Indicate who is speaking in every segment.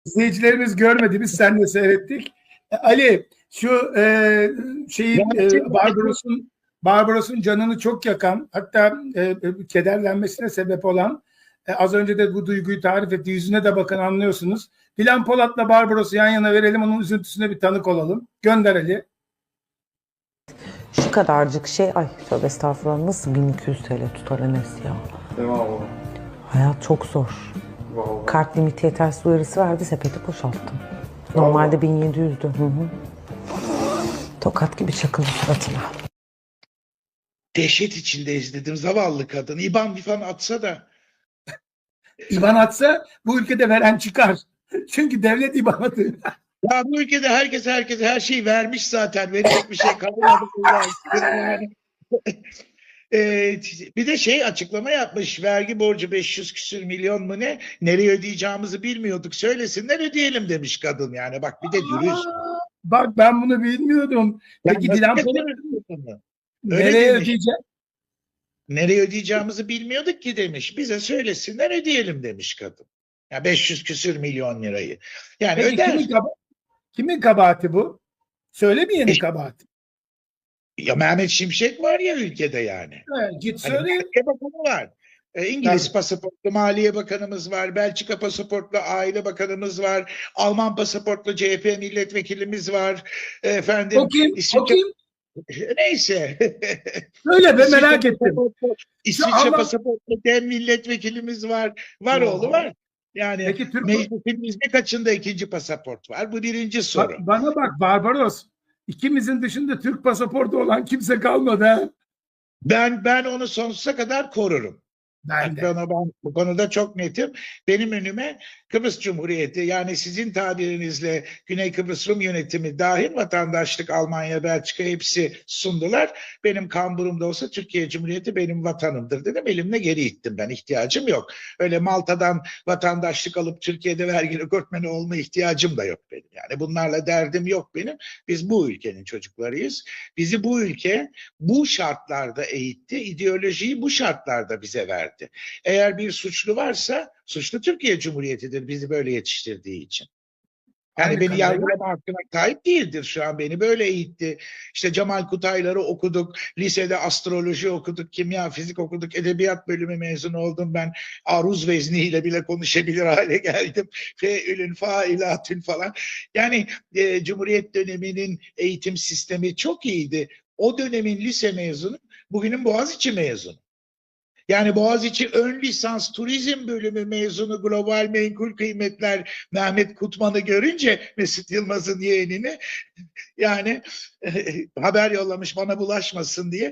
Speaker 1: izleyicilerimiz görmedi. Biz seninle seyrettik. Ali, şu şeyin Barbaros'un canını çok yakan, hatta kederlenmesine sebep olan, az önce de bu duyguyu tarif etti. Yüzüne de bakın, anlıyorsunuz. Dilan Polat'la Barbaros'u yan yana verelim. Onun üzüntüsüne bir tanık olalım. Gönder Ali.
Speaker 2: Şu kadarcık şey, ay tövbe estağfurullah, nasıl 1200 TL tutar Enes ya?
Speaker 3: Eyvallah.
Speaker 2: Hayat çok zor.
Speaker 3: Vallahi.
Speaker 2: Kart limiti yetersiz uyarısı verdi, sepeti boşalttım. Normalde 1700'dü. Hı hı. Tokat gibi çakıldı suratına.
Speaker 4: Dehşet içinde izledim zavallı kadın. İban bifan atsa da.
Speaker 1: İban atsa bu ülkede veren çıkar. Çünkü devlet İban atıyor.
Speaker 4: Ya bu ülkede herkese her şeyi vermiş zaten. Verecek bir şey kalmadı. Yani. Bir de açıklama yapmış. Vergi borcu 500 küsür milyon mu ne? Nereye ödeyeceğimizi bilmiyorduk. Söylesinler ödeyelim demiş kadın yani. Bak bir de dürüst.
Speaker 1: Bak ben bunu bilmiyordum. Peki
Speaker 4: Yani
Speaker 1: Dilan Polat
Speaker 4: öyle
Speaker 1: nereye
Speaker 4: demiş.
Speaker 1: ödeyecek?
Speaker 4: Nereye ödeyeceğimizi bilmiyorduk ki demiş. Bize söylesinler ödeyelim demiş kadın. Ya 500 küsür milyon lirayı. Yani
Speaker 1: Peki
Speaker 4: öder.
Speaker 1: kimin kabahati bu? Söylemeyenin kabahati.
Speaker 4: Ya Mehmet Şimşek var ya ülkede yani.
Speaker 1: Evet, git
Speaker 4: Hani
Speaker 1: söyle.
Speaker 4: Maliye Bakanı var. İngiliz
Speaker 1: Tabii.
Speaker 4: pasaportlu Maliye Bakanımız var. Belçika pasaportlu Aile Bakanımız var. Alman pasaportlu CHP milletvekilimiz var. Efendim
Speaker 1: O kim? O
Speaker 4: İsviçre
Speaker 1: kim?
Speaker 4: neyse.
Speaker 1: Söyle be, merak ettim.
Speaker 4: İsviçre pasaportlu DEM milletvekilimiz var. Var oğlu var. Yani
Speaker 1: Peki
Speaker 4: meclisimizde kaçında ikinci pasaport var? Bu birinci soru.
Speaker 1: Bana bak Barbaros. İkimizin dışında Türk pasaportu olan kimse kalmadı ha.
Speaker 4: Ben onu sonsuza kadar korurum.
Speaker 1: Ben de.
Speaker 4: Ben bu konuda çok netim. Benim önüme Kıbrıs Cumhuriyeti, yani sizin tabirinizle Güney Kıbrıs Rum yönetimi dahil vatandaşlık, Almanya, Belçika hepsi sundular. Benim kamburumda olsa Türkiye Cumhuriyeti benim vatanımdır dedim. Elimle geri ittim ben. İhtiyacım yok. Öyle Malta'dan vatandaşlık alıp Türkiye'de vergi rekortmeni olma ihtiyacım da yok benim. Yani bunlarla derdim yok benim. Biz bu ülkenin çocuklarıyız. Bizi bu ülke bu şartlarda eğitti. İdeolojiyi bu şartlarda bize verdi. Eğer bir suçlu varsa suçlu Türkiye Cumhuriyeti'dir bizi böyle yetiştirdiği için. Yani
Speaker 1: Aynı
Speaker 4: beni
Speaker 1: kanıya
Speaker 4: yargılama hakkına sahip değildir şu an. Beni böyle eğitti. İşte Cemal Kutaylar'ı okuduk. Lisede astroloji okuduk. Kimya, fizik okuduk. Edebiyat bölümü mezunu oldum ben. Aruz vezniyle bile konuşabilir hale geldim. Feülün, failatün falan. Yani Cumhuriyet döneminin eğitim sistemi çok iyiydi. O dönemin lise mezunu, bugünün Boğaziçi mezunu. Yani Boğaziçi ön lisans turizm bölümü mezunu global menkul kıymetler Mehmet Kutman'ı görünce, Mesut Yılmaz'ın yeğenini, yani haber yollamış bana bulaşmasın diye.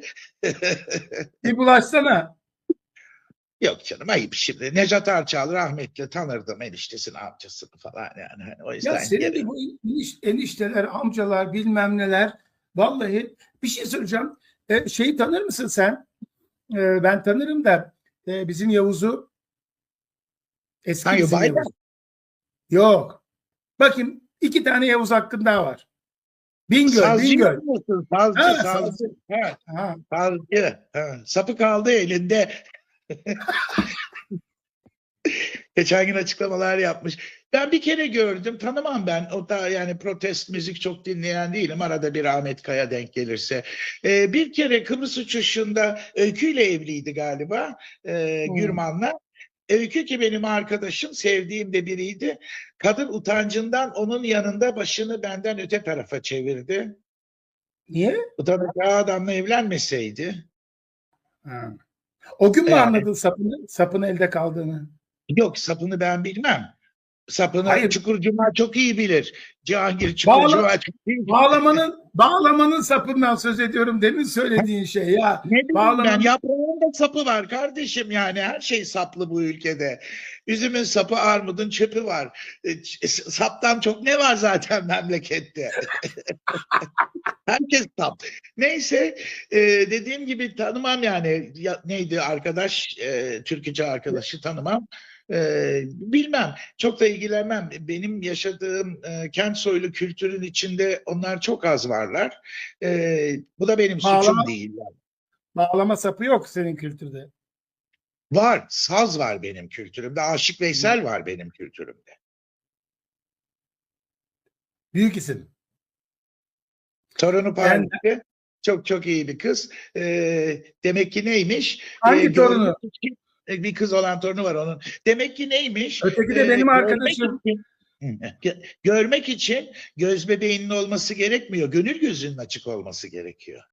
Speaker 1: bir bulaşsana.
Speaker 4: Yok canım, ayıp şimdi. Necat Arçal rahmetli tanırdım, eniştesini amcasını falan yani. Hani o
Speaker 1: Ya
Speaker 4: yüzden
Speaker 1: senin de bu enişteler, amcalar, bilmem neler. Vallahi bir şey soracağım. Şeyi tanır mısın sen? Ben tanırım da bizim Yavuz'u, eski
Speaker 4: Hangi
Speaker 1: bizim
Speaker 4: Biden?
Speaker 1: Yavuz. Yok. Bakayım, iki tane Yavuz hakkın daha var. Bingöl,
Speaker 4: Sazcı
Speaker 1: Bingöl.
Speaker 4: musun? Sazcı,
Speaker 1: Ha,
Speaker 4: sazcı. Ha,
Speaker 1: ha.
Speaker 4: sazcı. Ha. Sapı kaldı elinde. Geçen gün açıklamalar yapmış. Ben bir kere gördüm, tanımam ben. O da yani protest müzik çok dinleyen değilim. Arada bir Ahmet Kaya denk gelirse. Bir kere Kıbrıs uçuşunda Öykü ile evliydi galiba. Gürman'la. Öykü ki benim arkadaşım, sevdiğim de biriydi. Kadın utancından onun yanında başını benden öte tarafa çevirdi.
Speaker 1: Niye?
Speaker 4: Utanacağı adamla evlenmeseydi.
Speaker 1: Ha. O gün mü
Speaker 4: Yani
Speaker 1: anladın sapın elde kaldığını?
Speaker 4: yok, sapını ben bilmem. Sapını
Speaker 1: Hayır.
Speaker 4: Çukur Cuma çok iyi bilir. Cihangir Çukur
Speaker 1: Bağla,
Speaker 4: Cuma çok iyi bilir.
Speaker 1: bağlamanın sapından söz ediyorum, demin söylediğin şey ya.
Speaker 4: Ne bileyim ben,
Speaker 1: Bağlamanın
Speaker 4: yaprağın da sapı var kardeşim, yani her şey saplı bu ülkede. Üzümün sapı, armudun çöpü var. Saptan çok ne var zaten memlekette. Herkes sap. Neyse, dediğim gibi tanımam yani. Neydi arkadaş, türkücü arkadaşı tanımam. Bilmem, çok da ilgilenmem. Benim yaşadığım kent soylu kültürün içinde onlar çok az varlar. Bu da benim
Speaker 1: bağlama,
Speaker 4: suçum değil.
Speaker 1: bağlama sapı yok senin kültürde.
Speaker 4: Var, saz var benim kültürümde. Aşık Veysel var benim kültürümde.
Speaker 1: Büyük isim.
Speaker 4: Torunu Paris'te çok çok iyi bir kız. Demek ki neymiş?
Speaker 1: Hangi
Speaker 4: Görmek
Speaker 1: torunu?
Speaker 4: için bir kız olan torunu var onun. Demek ki neymiş?
Speaker 1: Öteki de benim arkadaşım.
Speaker 4: Görmek için göz bebeğinin olması gerekmiyor. Gönül gözünün açık olması gerekiyor.